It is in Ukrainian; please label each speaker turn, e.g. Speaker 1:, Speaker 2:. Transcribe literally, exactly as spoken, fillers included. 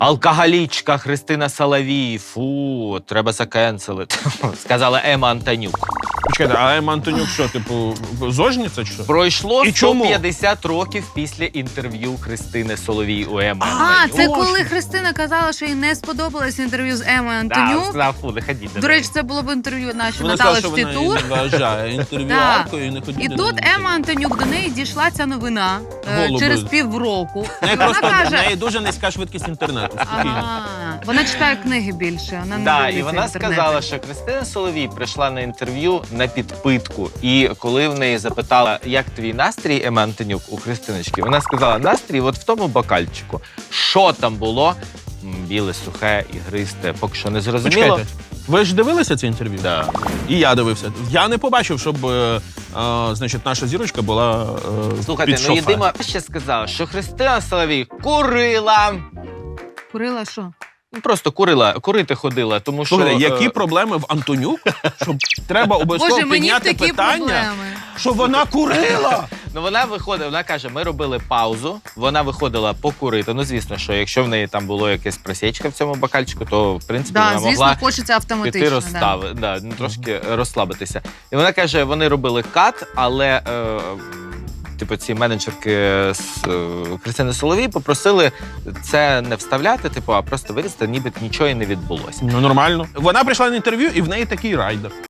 Speaker 1: Алкоголічка Христина Соловій, фу, треба закенселити, сказала Ема Антонюк.
Speaker 2: Почекайте, а Ема Антонюк що, типу, зожниця чи що?
Speaker 1: Пройшло
Speaker 2: І
Speaker 1: сто
Speaker 2: чому?
Speaker 1: п'ятдесят років після інтерв'ю Христини Соловій у Еми
Speaker 3: А,
Speaker 1: Антонюк.
Speaker 3: це коли Христина казала, що їй не сподобалось інтерв'ю з Емою
Speaker 1: Да,
Speaker 3: Антонюк.
Speaker 1: сказав, фу, не ходіть до
Speaker 3: До
Speaker 1: неї.
Speaker 3: речі, це було б інтерв'ю нашої
Speaker 2: Вона
Speaker 3: Натали
Speaker 2: сказала, що вона
Speaker 3: Штитур.
Speaker 2: її не вважає інтерв'юаркою і не ходить
Speaker 3: І
Speaker 2: до
Speaker 3: тут
Speaker 2: неї.
Speaker 3: Ема Антонюк, до неї дійшла ця новина е,
Speaker 2: Голуби.
Speaker 3: через півроку.
Speaker 2: В неї
Speaker 3: Вона
Speaker 2: просто в
Speaker 3: каже,
Speaker 2: неї дуже низька швидкість інтернету. Спокійно.
Speaker 3: ага, вона читає книги більше, вона не
Speaker 1: Да,
Speaker 3: дивиться
Speaker 1: і вона
Speaker 3: інтернет.
Speaker 1: сказала, що Христина Соловій прийшла на інтерв'ю на підпитку. І коли в неї запитала, як твій настрій, Ема Антонюк, у Христиночки, вона сказала, настрій от в тому бокальчику. Що там було? М, Біле, сухе, ігристе, поки що не зрозуміло.
Speaker 2: Почекайте, ви ж дивилися це інтерв'ю?
Speaker 1: Да.
Speaker 2: І я дивився. Я не побачив, щоб е, е, значить, наша зірочка була е,
Speaker 1: Слухайте,
Speaker 2: під
Speaker 1: ну
Speaker 2: шофе.
Speaker 1: єдима ще сказала, що Христина Соловій курила.
Speaker 3: Курила що?
Speaker 1: Ну, Просто курила, курити ходила, тому що...
Speaker 2: Слухайте,
Speaker 1: е,
Speaker 2: які проблеми в Антонюк, щоб треба обов'язково
Speaker 3: Боже, мені
Speaker 2: підняти
Speaker 3: такі
Speaker 2: питання,
Speaker 3: проблеми.
Speaker 2: що вона курила.
Speaker 1: Ну, вона виходила, вона каже, ми робили паузу, вона виходила покурити. Ну, звісно, що якщо в неї там було якесь просічка в цьому бокальчику, то, в принципі,
Speaker 3: Да,
Speaker 1: вона
Speaker 3: звісно,
Speaker 1: могла
Speaker 3: хочеться автоматично.
Speaker 1: піти
Speaker 3: да.
Speaker 1: розстави, да. ну, трошки розслабитися. І вона каже, вони робили кат, але е, типу ці менеджерки з е, Христини Соловій попросили це не вставляти, типу, а просто вирізати, ніби нічого і не відбулося.
Speaker 2: Ну, нормально. Вона прийшла на інтерв'ю, і в неї такий райдер.